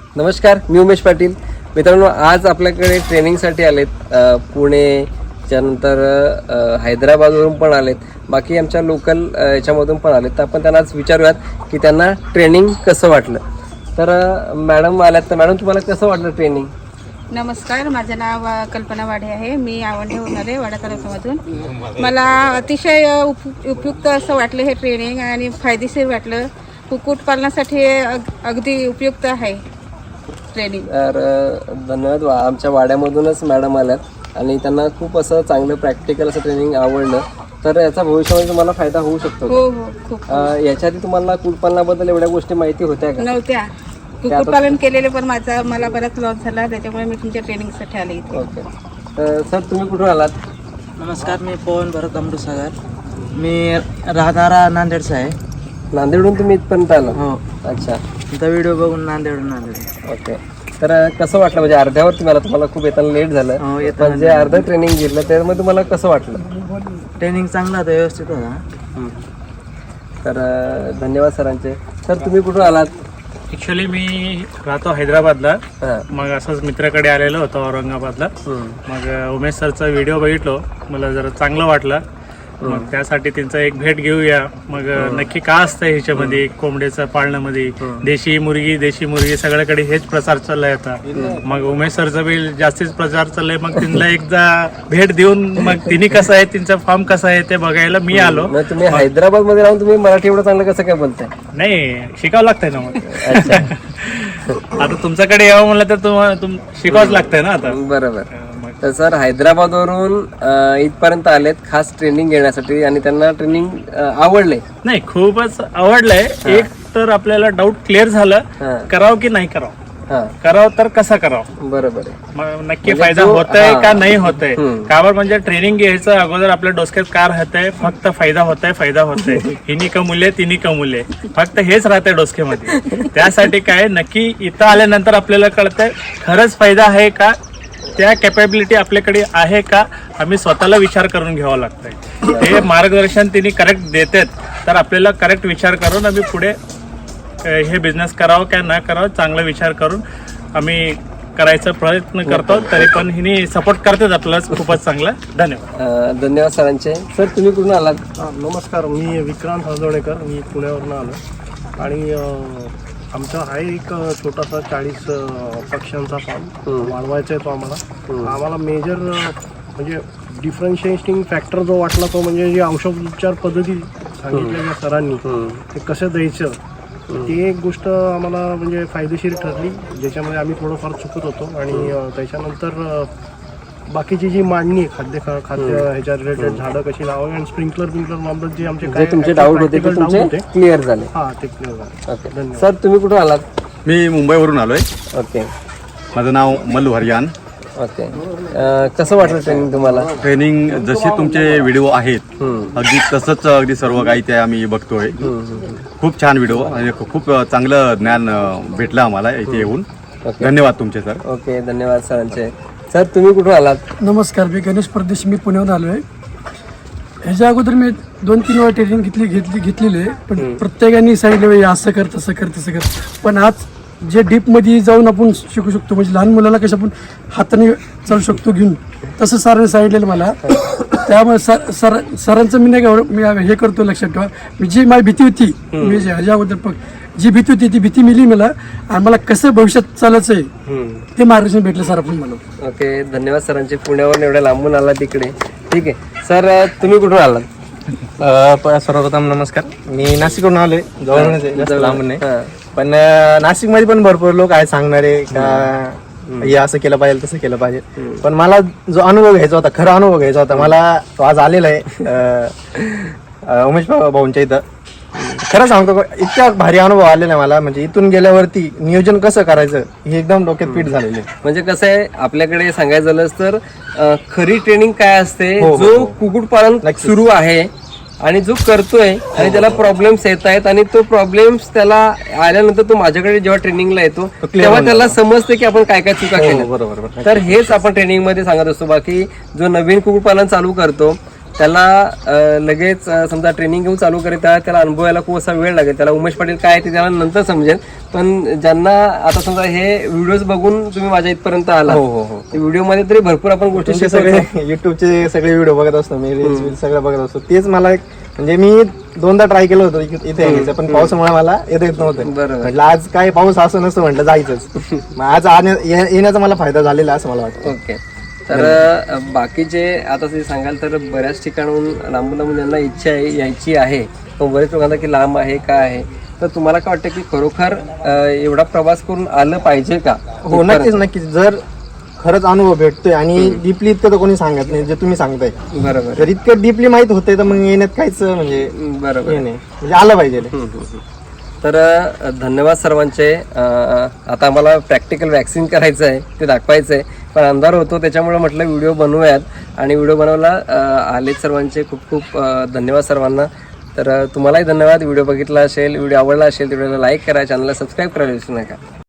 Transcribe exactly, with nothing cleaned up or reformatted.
नमस्कार, मी उमेश पाटील. मित्रांनो, आज आपल्याकडे ट्रेनिंगसाठी आलेत पुणे, त्यानंतर हैदराबादवरून पण आलेत, बाकी आमच्या लोकल याच्यामधून पण आलेत. तर आपण त्यांना आज विचारूयात की त्यांना ट्रेनिंग कसं वाटलं. तर मॅडम आल्यात. तर मॅडम, तुम्हाला कसं वाटलं ट्रेनिंग? नमस्कार, माझं नाव कल्पना वाडे आहे. मी आवंढे होणार आहे, वाडा तालुक्यामधून. मला अतिशय उप उपयुक्त असं वाटलं हे ट्रेनिंग आणि फायदेशीर वाटलं. कुक्कुटपालनासाठी अगदी उपयुक्त आहे ट्रेनिंग. तर धन्यवाद. आमच्या वाड्यामधूनच मॅडम आल्यात आणि त्यांना खूप असं चांगलं प्रॅक्टिकल असं ट्रेनिंग आवडलं. तर याचा भविष्यामध्ये तुम्हाला फायदा होऊ शकतो. हो हो खूप. याच्या आधी तुम्हाला कुक्कुटपालनाबद्दल एवढ्या गोष्टी माहिती होत्या का? नव्हत्या. कुक्कुटपालन केलेले पण माझा मला बराच लॉस झाला, त्याच्यामुळे मी तुमच्या ट्रेनिंगसाठी आले इथे. ओके. तर सर, तुम्ही कुठून आलात? नमस्कार, मी पवन भरत अमृतसागर. मी राहणारा नांदेडचा आहे. नांदेडहून तुम्ही इथपर्यंत आला? हो. अच्छा. तुमचा व्हिडिओ बघून नांदेडून नांदेड. ओके. तर कसं वाटलं? म्हणजे अर्ध्यावर तुम्हाला तुम्हाला खूप येताना लेट झालं, हो, येताना म्हणजे अर्ध ट्रेनिंग घेतलं, त्यामध्ये तुम्हाला कसं वाटलं? ट्रेनिंग चांगला होता, व्यवस्थित होता. तर धन्यवाद सरांचे. सर, तुम्ही कुठून आलात? ॲक्च्युली मी राहतो हैदराबादला. हां. मग असंच मित्राकडे आलेलो होतो औरंगाबादला. मग उमेश सरचा व्हिडिओ बघितलो, मला जरा चांगलं वाटलं. मग त्यासाठी त्यांचा एक भेट घेऊया. मग नक्की का असतं ह्याच्यामध्ये कोंबड्याचं पाळण्यामध्ये देशी मुर्गी देशी मुर्गी सगळ्याकडे हेच प्रचार चाललाय आता. मग उमेश सरचा बी जास्तीच प्रचार चाललाय. मग त्यांना एकदा भेट देऊन मग तिने कसं आहे, त्यांचा फॉर्म कसा आहे ते बघायला मी आलो. मग तुम्ही हैदराबाद मध्ये राहून तुम्ही मराठी एवढं चांगलं कसं काय बोलताय? नाही, शिकावं लागतंय ना. मग अच्छा. आता तुमच्याकडे यावं म्हणलं तर तुम्हाला तुम शिकावंच लागतंय ना आता. बरोबर. तर सर, हैदराबादवरून इथपर्यंत आलेत खास ट्रेनिंग घेण्यासाठी आणि त्यांना ट्रेनिंग आवडले. नाही, खूपच आवडलंय. एक तर आपल्याला डाऊट क्लिअर झालं, करावं की नाही करावं. करावं तर कसं करावं, बरोबर आहे. मग नक्की फायदा होतोय का नाही होतोय. कावर म्हणजे ट्रेनिंग घ्यायचं अगोदर आपल्या डोसक्यात कार राहतंय, फक्त फायदा होतोय फायदा होतोय हिनी कमवले तिने कमवले, फक्त हेच राहतंय डोसक्यामध्ये. त्यासाठी काय, नक्की इथं आल्यानंतर आपल्याला कळतंय खरंच फायदा आहे का, त्या कॅपॅबिलिटी आपल्याकडे आहे का, आम्ही स्वतःला विचार करून घ्यावं लागतंय. हे मार्गदर्शन तिने करेक्ट देतात, तर आपल्याला करेक्ट विचार करून आम्ही पुढे हे बिझनेस करावं का न करावं चांगला विचार करून आम्ही करायचा प्रयत्न करतो. तरी पण हिने सपोर्ट करतात आपल्याला खूपच चांगला. धन्यवाद. धन्यवाद सरांचे. सर, तुम्ही कुठून आलात? नमस्कार, मी विक्रांत हळदवणेकर. मी पुण्यावरून आलो आणि आमचा आहे एक छोटासा चाळीस पक्ष्यांचा फार्म वाढवायचा आहे. तो आम्हाला आम्हाला मेजर म्हणजे डिफरन्शिएटिंग फॅक्टर जो वाटला तो म्हणजे जे औषधोपचार पद्धती सांगितलेल्या सरांनी ते कसं द्यायचं, ती एक गोष्ट आम्हाला म्हणजे फायदेशीर ठरली, ज्याच्यामध्ये आम्ही थोडंफार चुकत होतो. आणि त्याच्यानंतर बाकीची जी मांडणी खाद्य खाद्य ह्याच्या रिलेटेड झाडं कशी लावावी आणि स्प्रिंकलर बिंकलर मामलत जे आमचे काय तुमचे डाऊट होते ते तुमचे क्लिअर झाले. हां, ते क्लिअर झाले. ओके. धन्यवाद. सर, तुम्ही कुठून आलात? मी मुंबईवरून आलोय. ओके. माझं नाव मल्लू हरियान. ओके. कसं वाटलं ट्रेनिंग तुम्हाला? ट्रेनिंग जसे तुमचे व्हिडिओ आहेत अगदी तसंच अगदी सर्व काही ते आम्ही बघतोय. खूप छान व्हिडिओ आणि खूप चांगलं ज्ञान भेटलं आम्हाला इथे येऊन. धन्यवाद तुमचे सर. ओके. धन्यवाद सरांचे. सर, तुम्ही कुठून आलात? नमस्कार, मी गणेश परदेश. मी पुण्याहून आलो आहे. ह्याच्या अगोदर मी दोन तीन वेळा ट्रेनिंग घेतली घेतली घेतलेली आहे, पण प्रत्येकाने सांगितलं असं कर तसं कर तसं कर. पण आज जे डीपमध्ये जाऊन आपण शिकू शकतो, म्हणजे लहान मुलाला कसं आपण हाताने चालू शकतो घेऊन, तसं सरांनी सांगितलेलं मला. त्यामुळे सर सर सरांचं मी नाही का मी हे करतो, लक्षात ठेवा. मी जी माझी भीती होती, मी ह्याच्या अगोदर जी भीती होती ती भीती मिली मला, आणि मला कसं भविष्यात चालायचं आहे ते मार्गदर्शन भेटलं सर आपण मला. ओके. धन्यवाद सरांचे. पुण्यावरून एवढ्या लांबून आला तिकडे. ठीक आहे. सर, तुम्ही कुठून आलात? सर्वप्रथम नमस्कार, मी नाशिकवरून आलोय. जवळूनच आहे, जास्त लांबून नाही. हां. पण नाशिकमध्ये पण भरपूर लोक आहेत सांगणारे का हे असं केलं पाहिजे तसं केलं पाहिजे. पण मला जो अनुभव घ्यायचा होता, खरा अनुभव घ्यायचा होता मला, तो आज आलेला आहे उमेश भाऊंच्या इथं. खरं सांगतो, इतका भारी अनुभव आलेला आहे मला. म्हणजे इथून गेल्यावरती नियोजन कसं करायचं हे एकदम डोक्यात फिट झालेले. म्हणजे कसं आहे, आपल्याकडे सांगायचं झालंच तर खरी ट्रेनिंग काय असते, हो, हो, जो हो. कुक्कुटपालन सुरू आहे आणि जो करतोय आणि त्याला प्रॉब्लेम्स येत आहेत आणि तो प्रॉब्लेम्स त्याला आल्यानंतर तो माझ्याकडे जेव्हा ट्रेनिंगला येतो तेव्हा त्याला समजते की आपण काय काय चुका केल्या. बरोबर. तर हेच आपण ट्रेनिंग मध्ये सांगत असतो. बाकी जो नवीन कुक्कुटपालन चालू करतो त्याला अ, लगेच अ, समजा ट्रेनिंग घेऊन चालू करीत आहे, त्याला अनुभव यायला खूप असा वेळ लागेल. त्याला उमेश पाटील काय आहे ते त्याला नंतर समजेल. पण ज्यांना आता समजा हे व्हिडिओज बघून तुम्ही माझ्या इथपर्यंत आला, हो हो हो व्हिडिओ मध्ये तरी भरपूर आपण गोष्टी तुमचे शिकवतो. सगळे युट्यूबचे सगळे व्हिडिओ बघत असतो मी, रील्स वील्स सगळं बघत असतो. तेच मला एक म्हणजे मी दोनदा ट्राय केलं होतं इथे इथे यायचं, पण पावसामुळे मला येता येत नव्हतं. बरोबर. म्हटलं आज काय पाऊस असं नसतं, म्हटलं जायचंच. मग आज आण्या- ये- येण्याचा मला फायदा झालेला असं मला वाटतं. ओके. तर अ, बाकीचे आता ते सांगाल तर बऱ्याच ठिकाणून लांबून लांबून ज्यांना इच्छा आहे यायची आहे, पण बरेच लोकांना की लांब आहे काय आहे, तर तुम्हाला काय वाटतं की खरोखर अ, एवढा प्रवास करून आलं पाहिजे का? हो नक्कीच नक्कीच. जर खरंच अनुभव भेटतोय आणि डीपली इतकं तर कोणी सांगत नाही जे तुम्ही सांगताय. बरोबर जर इतकं डीपली माहित होते तर मग येण्यात काहीच म्हणजे बरोबर हे नाही, म्हणजे आलं पाहिजे. तर अ, धन्यवाद सर्वांचे. अ, आता आम्हाला प्रॅक्टिकल वॅक्सिन करायचं आहे, ते दाखवायचं आहे, पण अंधार होतो त्याच्यामुळे म्हटलं व्हिडिओ बनवूयात आणि व्हिडिओ बनवायला अ, आलेत सर्वांचे खूप खूप अ, धन्यवाद सर्वांना. तर अ, तुम्हालाही धन्यवाद. व्हिडिओ बघितला असेल, व्हिडिओ आवडला असेल तर व्हिडिओला लाईक करा, चॅनलला सबस्क्राईब करायला विसरू नका.